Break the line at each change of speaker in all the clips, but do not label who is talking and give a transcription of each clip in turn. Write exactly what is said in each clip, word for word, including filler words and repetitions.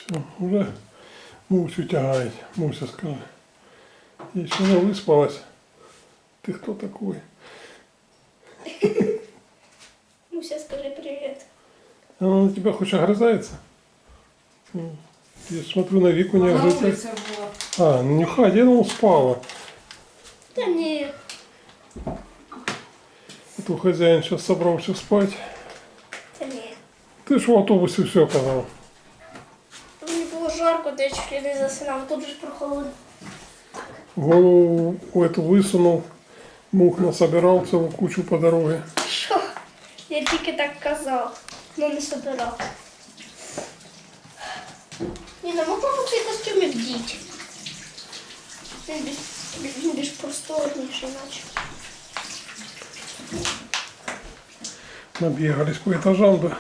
Все, уже Мусю тягает. Муся, скажи. Еще не выспалась. Ты кто такой?
Муся, скажи привет.
Она на тебя хоть огрызается? Я смотрю, на Вику не
На
огрызается.
улице была.
А, ну не ходи, ну спала.
Да не,
А то хозяин сейчас собрался спать.
да не.
Ты ж в автобусе все казал.
Мені було жарко, де я чуть ли не засинав, тут же ж прохолодно.
Голову эту высунул. Мух насобирал целую кучу по дороге.
Що? Я тільки так казав, але не собирав. Ні, ну можна цей костюм і вдіти. Він більш, він більш просторніший, наче.
Набегались по этажам, да.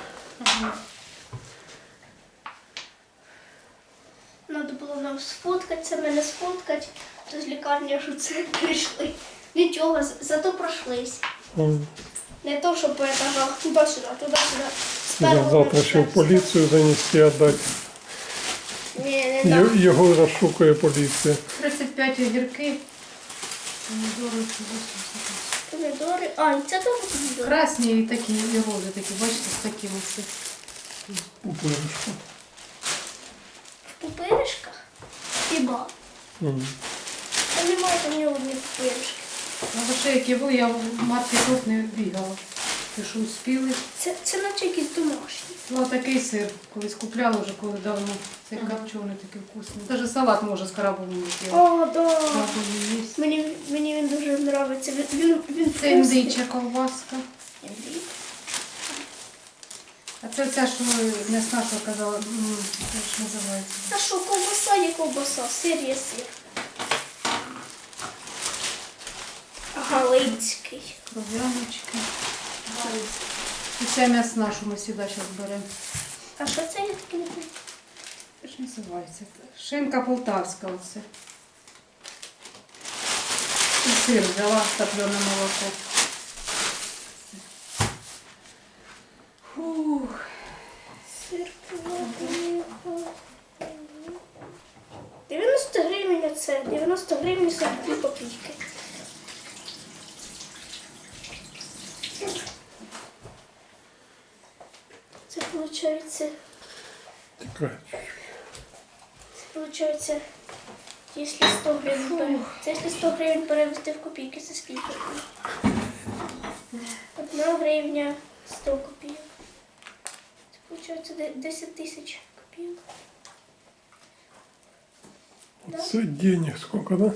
Надо було нам сфоткатися, мене сфоткати, то з лікарні аж у це прийшли. Нічого, з- зато пройшлись.
М.
Не то, що по етажах, туди-сюди, туди-сюди. З
Я
першого
завтра
на
ще в
четвертий.
поліцію занести, отдать.
Ні, не
Й-
так.
Його розшукує поліція.
тридцять п'ять огірки. Помідори.
Помідори. А, і це теж помідори.
Красні і такі, і рози такі, бачите, з такими все.
Пупиришку.
В пупиришках? Хіба?
М.
Та немає там ні одні пупиришки.
А лише які були, я в маркетах не бігала. Ти що успіли?
Це, це наче якісь домашні.
Ну, такий сир, колись купляла вже коли давно. Цей копчений такий вкусний. Навіть салат може з крабом не зробити.
О, да.
Крабовий є.
Мені, мені він дуже подобається. Він, він, він
Це
вкусний.
індича ковбаска.
Індій.
А це ця, що м'ясна, що казала, м, як ж називається?
А що, ковбаса є ковбаса, сир є сир. Галицький.
Кров'яночки. І ця м'ясна, що ми завжди зараз беремо.
А що це я таке не знаю?
Як ж називається? Шинка полтавська оце. І сир взяла, топлене молоко. Фух.
Сир плавлений. дев'яносто гривень оце. дев'яносто гривень сорок дві копійки. Це виходить, це
Тікай.
виходить, якщо сто гривень, пере- це якщо сто гривень перевести в копійки, це скільки? Одна гривня, сто копійок. Це виходить десять тисяч копійок. Да?
Це денег сколько, да?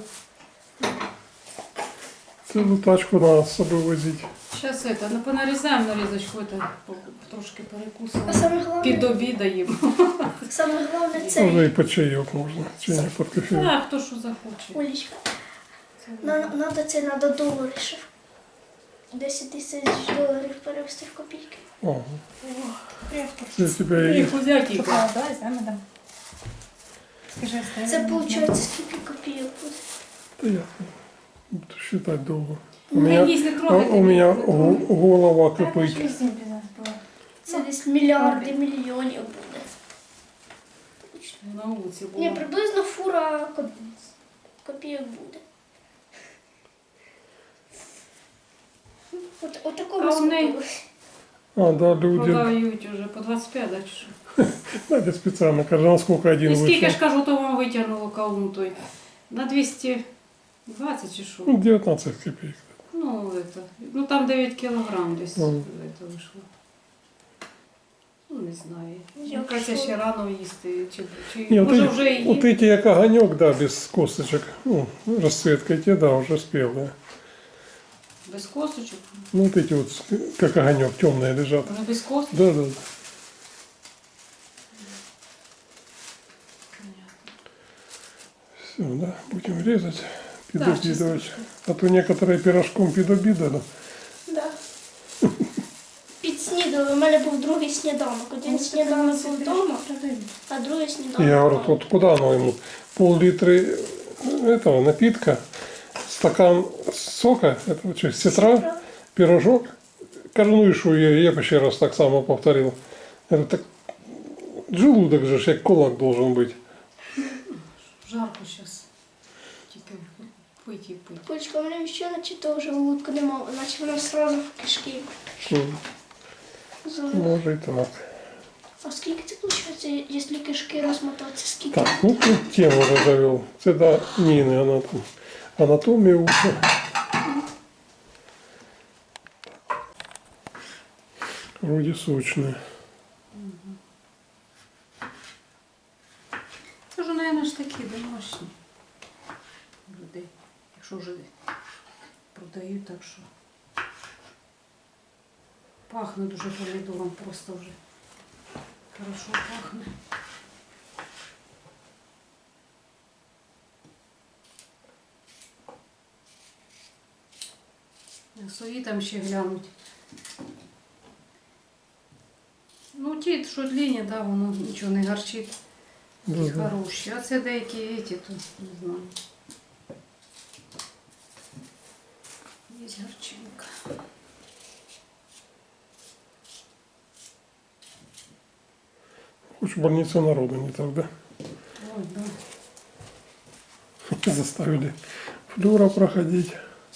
Цілу тачку надо з собою возити.
Зараз це, ну понарізаємо нарізочку, это, трошки
А
перекусимо.
саме головне,
Під обідаємо.
саме головне
Може
це,
і по чайок можна. Чи не під кофе.
А, хто що захоче.
Олечка,
Це
на- надо це, надо долари ще. десять тисяч доларів перевести в копійки.
Ага. Це тебе і...
Хузяки.
Давай займе. Скажи,
Це виходить скільки копійок буде?
Та я буду считать довго. У
Ну,
меня,
їсть не
у,
трогайте.
у меня го- голова кипить.
Це десь мільярди мільйонів буде.
На вулиці було.
Ні, приблизно фура коп- копійок буде. От, от такого
А у неї-
скупилось.
А, да, люди.
Продають уже по двадцять п'ять, да, чи що?
Надя специально, каже, насколько один
І скільки
вышел.
ж кажу, то вам витягнуло кавун той? На двісті двадцять чи що?
Ну, девятнадцать копеек.
Ну, это, ну там дев'ять кілограм десь
Мгм.
это вийшло. Ну, не знаю.
Якщо-
Мені кажеться, ще рано їсти. Чи, чи
Не, вот,
може
эти,
вже і
вот эти як огонек, да, без косточек. Ну, расцветка те, да, уже спелые.
без косточок?
Ну, вот эти вот, как огонек, темные лежат.
Вже без косточок?
Да, да, да. Все, да, будем резать, пидобидовать. А то некоторые пирожком пидобидали.
Да. Підснідали. У мене був другий сніданок. Один сніданок був вдома, а другий сніданок.
Я говорю,
вдома.
вот куда оно ему? Пол-литры этого напитка, стакан сока, это что, сетра,
Сітра.
пирожок. Кажу, ну и что, я, я бы еще раз так само повторил. Я говорю, так желудок же ж як кулак должен бути.
Жарко зараз. Тільки пить і пить.
Кулечка, у мене ще наче того желудка нема, наче воно сразу в кишки.
М,
залило.
Може і так.
А скільки це виходить, якщо кишки розмотатися? Скільки?
Так, ну тут тему вже завел. Це до Ніни, вона там анатомію учить. Вроде сочные.
Це ж, мабуть, ж такі домашні людей. Якщо вже продають, так що пахне дуже помідором, просто вже хорошо пахне. Свої там ще глянуть. Ну ті, що длинні, да, воно нічого не гарчить.
Да, да.
Хороші. А це деякі еті, то не знаю. Є гарчинка.
Хоть в больнице народу не так, да?
Ой, да.
Заставили флюра проходить.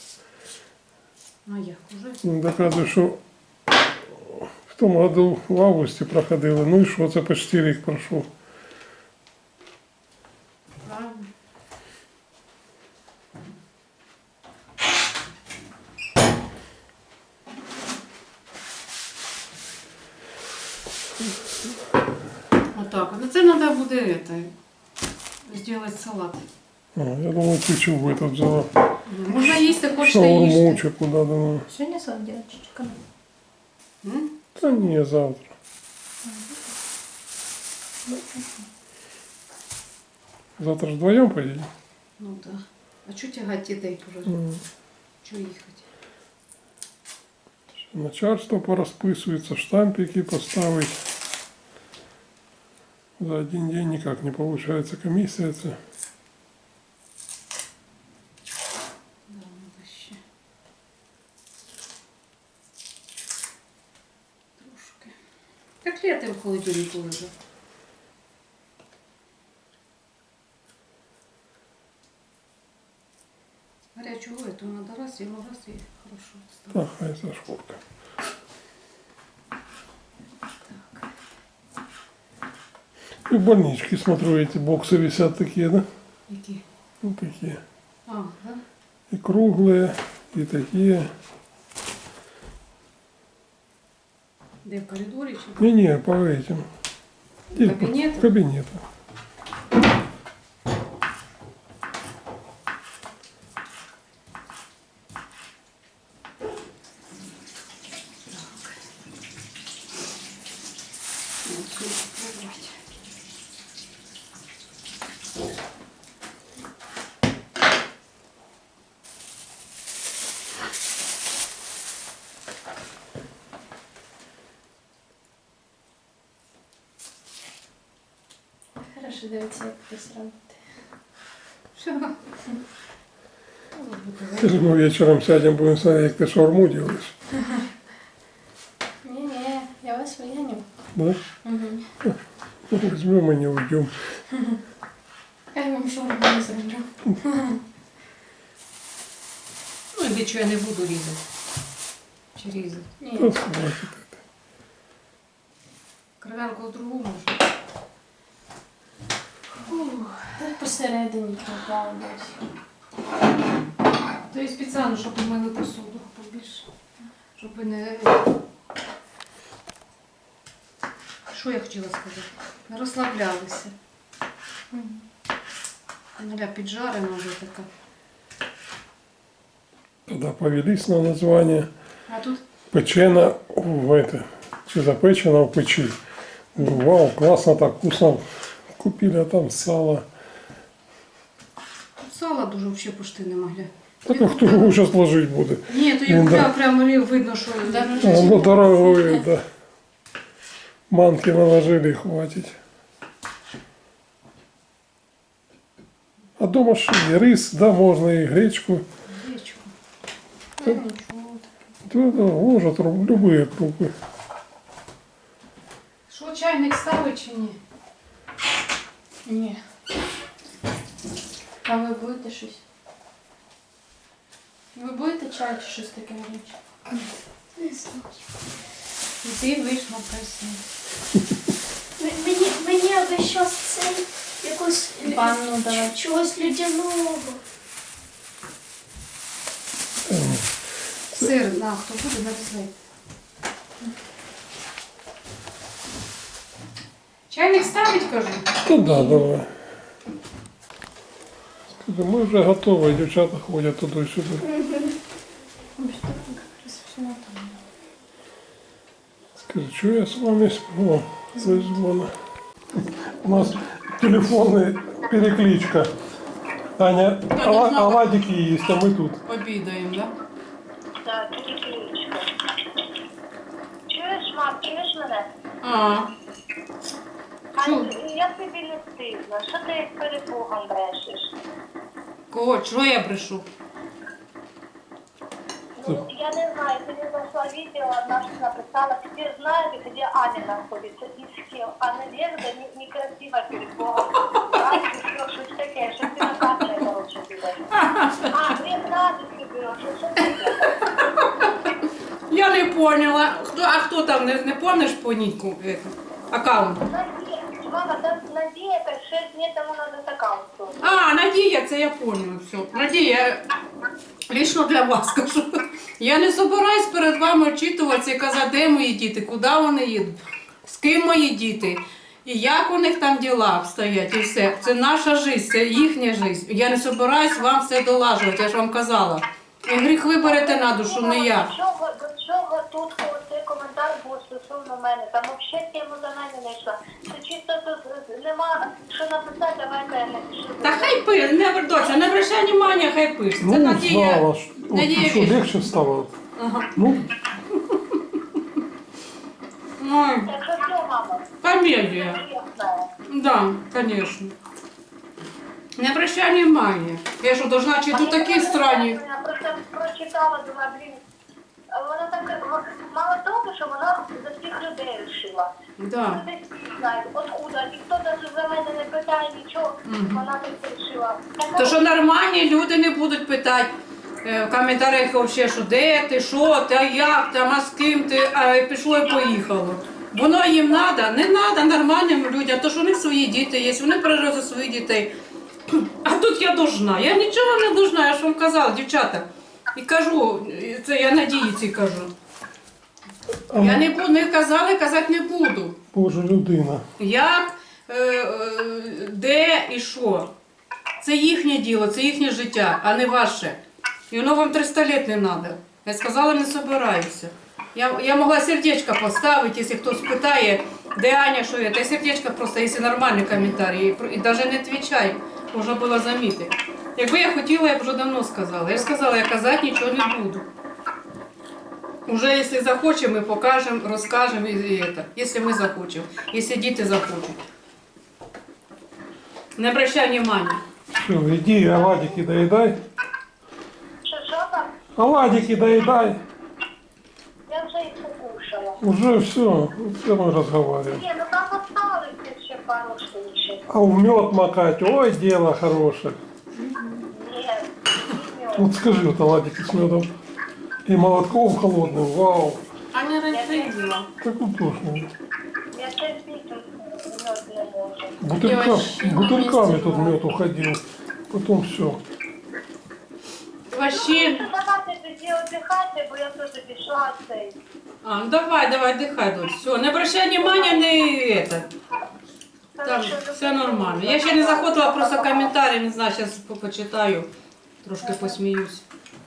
А як уже?
Ну, доказує, що в тому году в августі проходили. Ну і що, це почти рік пройшов.
Правильно. Отак. Ну це треба буде это, зробити салат.
А, я думаю, ти чого этот взяла?
Можна їсти, хочете
Шаурму
їсти.
чи куди думаю.
Сьогодні сам делать чичка.
М?
Та ні, завтра. Завтра ж вдвоєм поїдемо?
Ну так. Да. А чого тягати дітей вже?
М.
Чого їхати?
Начальство порозписується, штампики поставить. За один день никак не получается комиссия. Это.
Да, надо ще. Трошки. Котлети в холодильнику лежать. Горячую эту надо раз, ему раз и хорошо
А,
ставить.
хай Сашковка.
Так.
И в больничке, смотрю, эти боксы висят такие, да?
Які?
Ну, такие.
А, да?
И круглые, и такие.
Де в коридорі чи?
Не-не, по этим. И по
Кабинету?
кабинету.
Вот сюда попробовать.
Хорошо, дивіться, як хтось робить.
Все.
Скажи, мы вечером сядем, будем смотреть, как ты шаурму делаешь.
Ні-ні, я вас виганю.
Да?
Угу.
Ну, возьмем и не уйдем.
Я вам шаурму не зроблю.
Ну, і нічого я не буду різати. Чи різати?
Да,
Ні.
хватит это.
Кров'янку в другу можна.
Та посередині попало десь.
То і спеціально, щоб ми мили посуду побільше. Щоб ви не... Що я хотіла сказати? Не розслаблялися. Наля піджарена вже така.
Когда повелись на название,
А тут
печена в это, что запечена в печи. Говорю, вау, классно, так вкусно. Купили, а там сало.
тут сала дуже взагалі почти не могли.
Так а кто его сейчас ложить будет?
Ні, то я
Ну,
купляла,
да.
прямо рів видно, що...
А, ну дорогое, да. Манки наложили, хватит. А дома что, и рис, да, можно и гречку.
Гречку.
Ну, нічого.
Да, да, ложат ру- любые крупы.
Що, чайник ставить чи ні?
Ні. А ви будете щось? Ви будете чай чи щось таке гаряче?
Не знаю.
Ти вийшла красиво.
М- Мені, мені аби щось цей якось лю-
Ванну давай.
ч- чогось людяного.
Сир, на, хто буде, нарізай. Чайник ставить, кажу?
Та да, давай. Скажи, ми вже готові, дівчата ходять туди-сюди.
Ось так якраз все там.
Скажи, что я с вами сплю? Вызвано. У нас телефонная перекличка. Аня, ола- оладики есть, а мы тут.
Обідаємо, да?
Так, перекличка. Чуєш, мам, чуєш мене?
А,
А
Чу.
я тобі не стидно. Що ти як перепугом брешеш?
кого? Чого я брешу?
Ну, я не знаю, ты не зашла видео, одна что написала, все знают, где Аня находится и с кем. А Надежда не, некрасиво перед Богом. А, ты что, что такое, что ты на камере, короче, берешь. А, ты радости берешь, что ты делаешь?
Я не поняла. Хто, а хто там, не, не помниш по нітку? е, Аккаунт?
Надея, мама, там Надея, это шесть дней тому надо с аккаунтом.
А, Надія, це я поняла. Все. Надія, лично для вас кажу. Я не собираюсь перед вами очитуватися і казати, де мої діти, куди вони їдуть, з ким мої діти, і як у них там діла стоять, і все. Це наша життя, це їхня життя. Я не собираюсь вам все долажувати, я ж вам казала. І гріх ви берете на душу, не я.
До чого, до чого тут цей коментар був стосовно мене? Там взагалі тему за мене не йшла. Це чисто тут нема що написати, давайте я напишу.
Та хай пише, не доця, не обращай внимання, хай пише. Це
Ну,
Надія.
знала, что, вот,
Надія
что
вещь.
легче стало.
Ага.
Ну,
Ой,
Так що все, мама,
комедія.
я знаю.
Да, конечно. Не обращай внимания. Я что, должна чи тут такі странні?
Я просто прочитала, думаю, блін, вона так, мало того, що вона за всіх людей вирішила.
Да.
Люди всі знають, откуда, ніхто навіть за мене не питає нічого, вона так вирішила.
То що нормальні люди не будуть питати е, в коментарях вообще, що де ти, що ти, а як там, а з ким ти, а пішло і поїхало. Воно їм треба, не треба нормальним людям, то що у них свої діти є, вони пережили за своїх дітей. А тут я должна. Я нічого не должна, я ж вам казала, дівчата. І кажу, це я Надії цій кажу. Я не буду, не казала, казати не буду.
Боже, людина.
Як, е, е, де і що. Це їхнє діло, це їхнє життя, а не ваше. І воно вам триста літ не треба. Я сказала, не собираюся. Я, я могла сердечко поставити, якщо хтось питає, де Аня, що я. Та сердечко просто, якщо нормальний коментарі. І навіть не відповідаю, можна було замітити. Якби я хотіла, я б вже давно сказала. Я ж сказала, я казати нічого не буду. Уже если захочем, мы покажем, расскажем и, и это. Если мы захочем, если діти захочуть. Не обращай внимания.
Все, иди, оладики доедай.
Що, що там?
Оладики доедай.
Я вже їх покушала.
Уже все, все мы разговариваем.
Ні, ну там осталось ще пару штучек.
А в мед макать, ой, дело хорошее.
Ні, не
Вот скажи, вот оладики с медом и молотком холодным, вау.
Аня розсиділа.
Как утошно.
Я ще пісень мед не можу.
Бутылька,
вообще не
бутыльками
вместе
тут мед уходил. Потом все.
Вообще...
Ну, давайте тоді віддихайте, бо я теж пішла цей.
А, ну давай, давай, отдыхай, дочь. Все, не обращай внимания, не это. Там все нормально. Я ще не заходила, просто комментарии, не знаю, сейчас почитаю. Трошки посміюсь.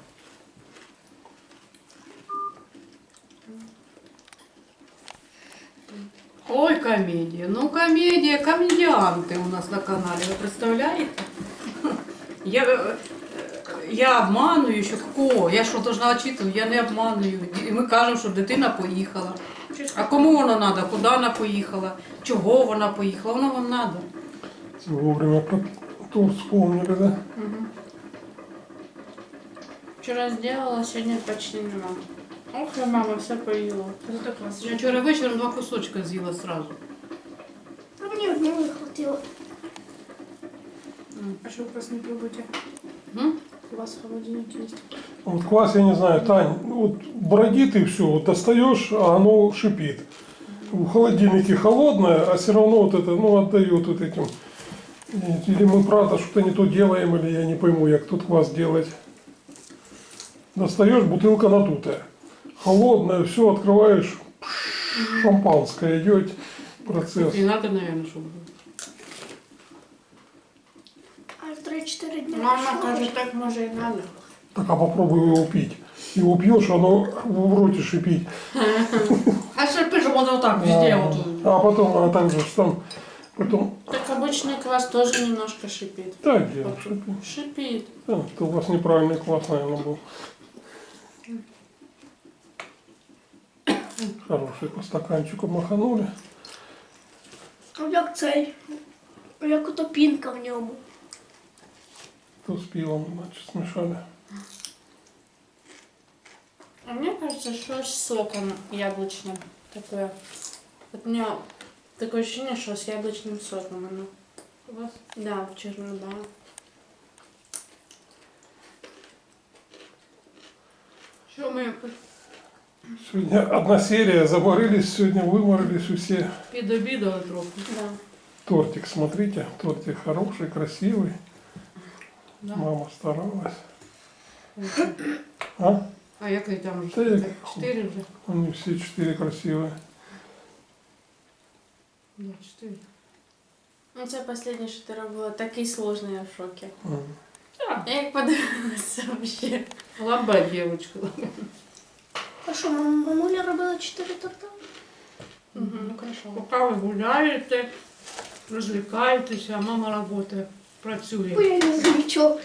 Ой, комедия. Ну, комедия, комедианты у нас на канале, вы представляете? Я, э, я обманюю, що кого? Я що, должна очитувати? Я не обманюю. І ми кажемо, що дитина поїхала. А кому вона треба? Куди вона поїхала? Чого вона поїхала? Воно вам треба.
Вовремя потом вспомнили, да?
Вчора зробила, сьогодні почти нема. Ох, мама все поїла. Це так
Я
класно.
вчора вечором два кусочка з'їла сразу.
пьет.
М.
А что вы вас не пробуете?
М?
У вас в холодильнике есть?
Вот квас, я не знаю, Тань, вот бродит и все, вот достаешь, а оно шипит. В холодильнике холодное, а все равно вот это, ну, отдает вот этим. Или мы правда что-то не то делаем, или я не пойму, как тут квас делать. Достаешь, бутылка надутая. Холодная, все, открываешь, пш, шампанское идет процесс.
Не надо, наверное, чтобы...
Аж три-четыре дня.
Мама
прошло.
кажет, так может и надо.
Так, а попробуй его пить. Его пьешь, оно в роте шипит.
А шипи, чтобы он вот так везде
А,
вот...
а потом, а так же ж там, потом,
Так обычный квас тоже немножко шипит.
да, где он шипит.
Шипит.
Да, это у вас неправильный квас, наверное, был. Хороший по стаканчику маханули.
А як цей? Як ото пінка в ньому.
То с пивом, значит, смешали.
А мне кажется, что с соком яблочным такое. Вот у меня такое ощущение, что с яблочным соком оно.
У вас?
Да, в черном, да.
Що ми
Сегодня одна серия, заморились, сегодня выморились все.
підобідали трохи.
Да.
Тортик, смотрите, тортик хороший, красивый.
Да.
Мама старалась. А?
А який там?
Та як?
Чотири вже?
Они все четыре красивые.
Да, чотири.
Ну, це последнє, що ти робила, такий сложний, я в шокі.
М.
Я як подивилася взагалі.
Лаба дівчинка.
А що, мам- мамуля робила чотири торта?
Угу, ну хорошо.
Поки ви гуляєте, розвлікаєтеся, а мама працює, працює.
Ой, я не замічав.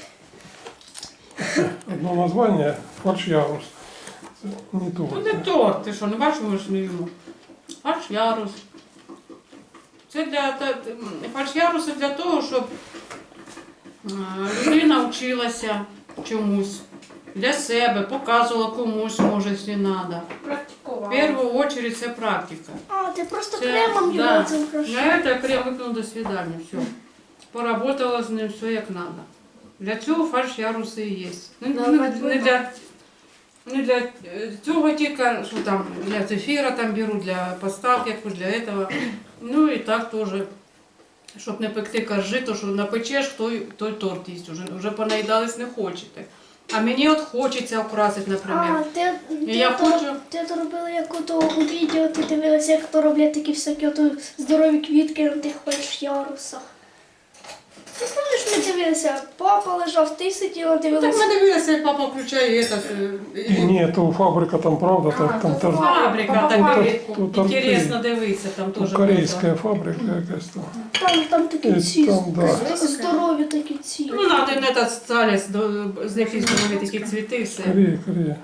Одно название фарш ярус. Не то.
Ну не торт, ти що, не бачиш, ми ж не їмо. Фарш ярус. Це для та- фарш ярус це для того, щоб е, людина вчилася чомусь для себе, показувала комусь, може, якщо треба. В
Практикувала.
першу чергу це практика.
А, ти просто
Це-
кремом
да.
його цим украшав.
На это крем выпил до свидания, все. Поработала з ним все як надо. Для цього фарш яруси і є. Не,
Да,
не,
бать,
не для, не для е, цього тільки, що там для зефіра там беру, для поставки, якось для этого. Ну і так теж, щоб не пекти коржи, то що напечеш, той, той торт їсть. Уже, вже понаїдались не хочете. А мені от хочеться украсити,
А,
наприклад.
ти, ти,
Я
то,
хочу-
ти то робила як ото у відео, ти дивилася, як то роблять такі всякі ото здорові квітки на тих фальш ярусах. Ти пам'ятаєш, ми дивилися, папа лежав, ти сиділа,
Так
дивилася.
ми дивилися, як папа включає це.
И нет, у фабрика там правда, там,
А,
там,
то
там,
Фабрика,
Папа,
так
папа.
і
Тут торти.
інтересно дивитися, там теж.
корейская фабрика якась там.
Там, там такі
І
ці
там, да.
здорові такі ці.
Ну, надо не та сталість, з якісь здорові такі цвіти, і все.
Корея, Корея.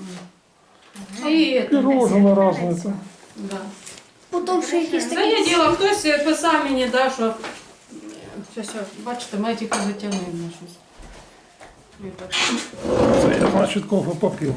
І,
Пирожные разные там.
да.
Потім ще якісь
Це
такі.
є діло, хтось писав мені, да, що... Щось, бачите, має тільки затягнув на щось. І так.
Це я, значит, кофе попил.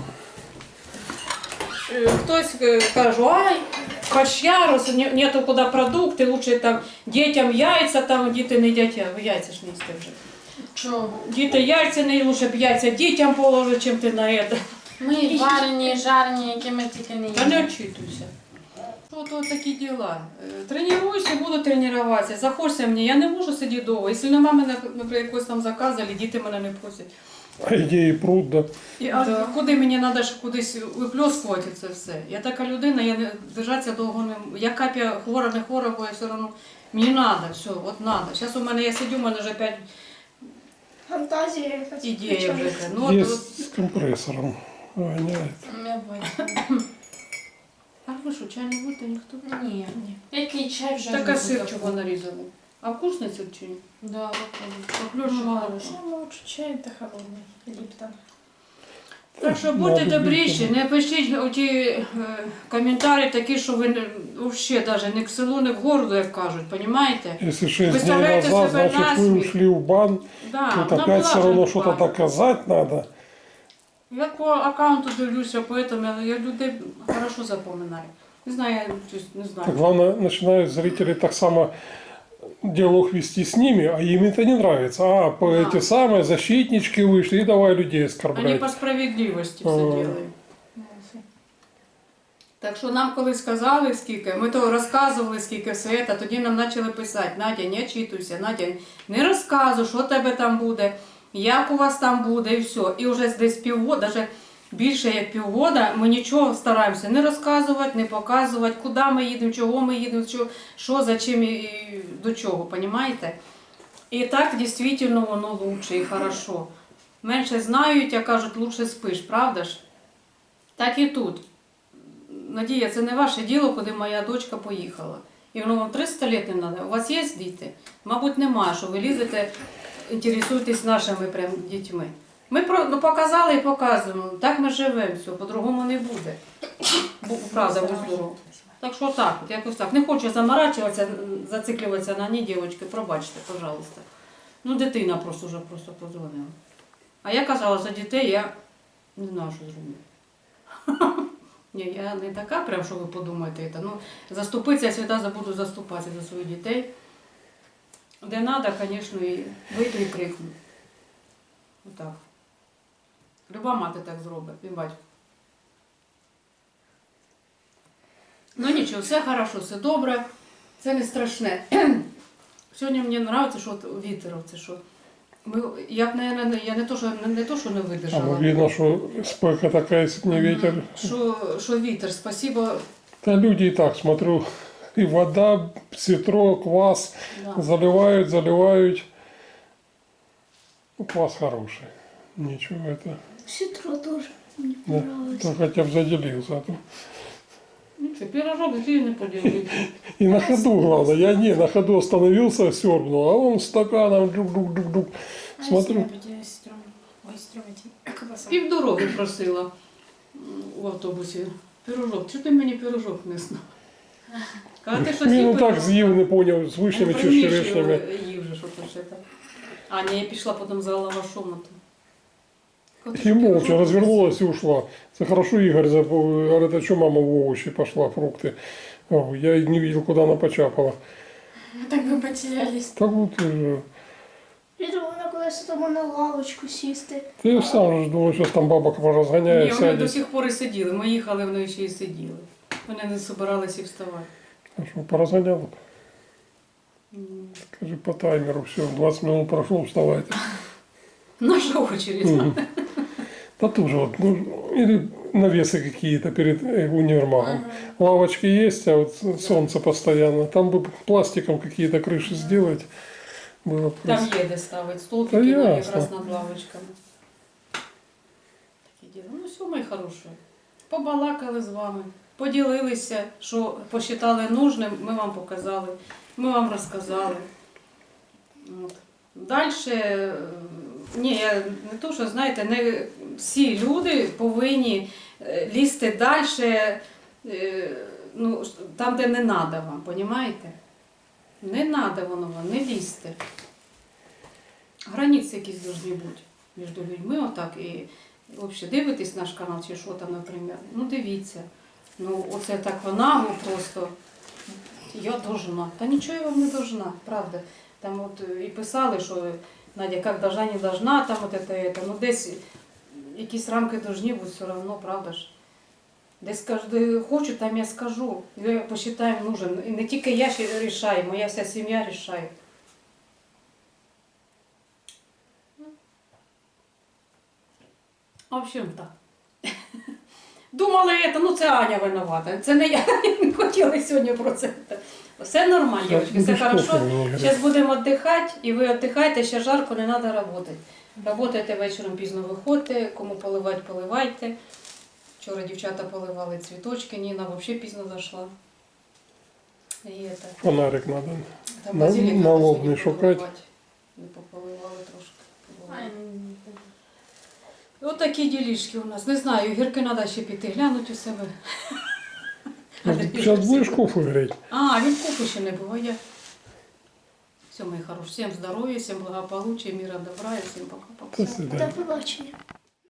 Е, Хтось е, каже, ай, фарш ярус, не- нету куди продукти, лучше там дітям яйця, там діти не їдять, а ви яйця ж не їсте вже.
Чого?
Діти яйця не лучше б яйця дітям положити, чим ти на це.
Ми варені, жарені, які ми тільки не
Та не
їмо.
очитуйся. От, от такі діла. Е, Тренуюся, буду тренуватися. Захочеться мені, я не можу сидіти довго. Якщо нема мене, наприклад, якось там заказу, або діти мене не просять.
А идеи пруд, да.
І, а куди мені треба ж кудись випльоскувати це все? Я така людина, я не держатися довго не можу. Я капія хвора, не хвора, бо я все одно. Мені треба, все, от треба. Зараз у мене, я сидю, у мене вже п'ять
Фантазія якась.
ідей вже. Ну, от, от.
Есть с компрессором. Воняет.
Я бачу.
А ви що, чай не будете ніхто?
Ні. Який чай вже?
Так а
не
сир
буду
чого
такого.
нарізали? А вкусний сир чи ні?
Да, виходить.
Поплюшувала.
Ну, лучше чай та холодний. Ліптон.
Так що будьте
Надо
добріші,
більше.
не пишіть оті е, коментарі такі, що ви взагалі навіть не к селу, не к городу, як кажуть, розумієте?
Если шесть дней
Представляете
назад,
себе
значит, вы
насмех.
ушли в бан,
Да,
тут
вона
опять
була
все
вже
равно
в
что-то
банку.
доказать надо.
Я по аккаунту дивлюся, поэтому я, я людей хорошо запоминаю. Не знаю, я щось не
Так
знаю.
главное, начинают зрители так само диалог вести с ними, а им это не нравится. А, по
Да.
эти самые защитнички вышли и давай людей
Вони
оскорблять.
по справедливості все
Ага.
роблять. Так що нам коли сказали скільки, ми то розказували скільки все це, тоді нам почали писати: Надя, не очитуйся, Надя, не розказуй, що в тебе там буде, як у вас там буде, і все. І вже десь півгода, навіть більше як півгода, ми нічого стараємося не розказувати, не показувати, куди ми їдемо, чого ми їдемо, що, що за чим і до чого, розумієте? І так дійсно воно лучше і хорошо. Менше знають, а кажуть, лучше спиш, правда ж? Так і тут. Надія, це не ваше діло, куди моя дочка поїхала. І воно вам триста років не треба. У вас є діти? Мабуть, немає, що ви лізете, інтересуєтесь нашими прям дітьми. Ми про- ну, показали і показуємо. Так ми живемо, все, по-другому не буде. Бу- Правда, будь здоров. Так що так, от якось так. Не хочу заморачуватися, зациклюватися на ні, дівчатки, пробачте, пожалуйста. Ну, дитина просто вже просто подзвонила. А я казала, за дітей я не знаю, що зроблю. Ні, я не така, прям, що ви подумаєте. Це. Ну, заступитися, я завжди буду заступатися за своїх дітей. Де треба, звісно, і вийду і крикну. Отак. Люба мати так зробить, і батько. Ну нічого, все хорошо, все добре, це не страшне. Сьогодні мені подобається, що от вітер, це що. Ми, я б, наверное, я не то, що не, не то, що не
А ну,
видержала.
видно, что спека такая, если б не ветер.
Що, що вітер, спасибо.
Да люди и так, смотрю, и вода, ситро, квас
Да.
заливают, заливают. Ну, квас хороший. Ничего это.
Сітро теж мені
Да.
подобається.
То хотя бы заделился. А то...
Ну, що, пирожок який не поділив.
И на ходу, главное. Я не, на ходу остановился, сербнул, а он стаканом дук-дук-дук-дук. Смотрю.
Півдороги просила м, в автобусі. Пирожок. Чого ти мені пирожок несла? Каже, ти щось
Він
їв
так
пирожок?
з'їв, не поняв, з вишнями чи з
Приміщувала,
черешнями.
їв же, що то ще так. А, ні, я пішла потім за лавашом. а то. Каже,
И
ти
молча
пирожок
развернулась и ушла. Это хорошо Игорь за- говорит, а что мама в овощи пошла, фрукты. О, я и не видел, куда она почапала.
Так вы потерялись.
Так вот, э,
Вітер, вона колись тому на лавочку сісти.
ты сам же думал, сейчас там бабок
Ні,
разгоняет,
вони до
сядет.
сих пор і сиділи. Ми їхали, вони ще й сиділи. Вони не збиралися і вставати.
А что, поразгонял?
М.
Скажи по таймеру, все, двадцать минут прошло, вставайте.
Наша очередь.
Мгм. Да тоже вот, ну, или навесы какие-то перед э, универмагом. Лавочки есть, а вот солнце постоянно. Там бы пластиком какие-то крыши сделать. Было бы
Там
красиво.
є де ставити столики
Та
кинули
ясно.
якраз над лавочками. Такі діла. Ну все, мої хороші. Побалакали з вами, поділилися, що посчитали нужним, ми вам показали, ми вам розказали. От. Далі, ні, я не то, що знаєте, не всі люди повинні е, лізти далі, ну, там, де не треба вам, розумієте? Не треба воно вам, не лізьте. Границі якісь повинні бути між людьми, отак, і взагалі дивитесь наш канал чи що там, наприклад, ну дивіться. Ну, оце так вона просто, я должна. Та нічого я вам не должна, правда. Там от і писали, що Надя, як должна, не должна, там от це, це. Ну десь якісь рамки должні бути все одно, правда ж. Десь кажу, де хочу, там я скажу. Я посчитаю нужен. І не тільки я ще рішаю, моя вся сім'я рішає. В общем, так. Думали, это, ну це Аня винувата. Це не я не хотіла сьогодні про це. Все нормально,
Щас
дівчатки, все
будеш
хорошо.
кофе мені гріти.
Зараз будемо віддихати, і ви віддихайте, ще жарко, не треба працювати. Работайте вечором, пізно виходьте, кому поливати, поливайте. Вчора дівчата поливали цвіточки, Ніна взагалі пізно зайшла. І это,
Фонарик надо.
там
На-
базилік
на
треба
лоб
сьогодні
не шукать.
поливати. Не пополивали трошки. Ось такі ділішки у нас. Не знаю, гірки треба ще піти глянути у себе.
Сейчас будешь кофе греть?
А, він купи ще не буває. Все, мої хороші. Всім здоров'я, всім благополуччя, міра, добра і всім пока-пока.
До свидания.
До побачення.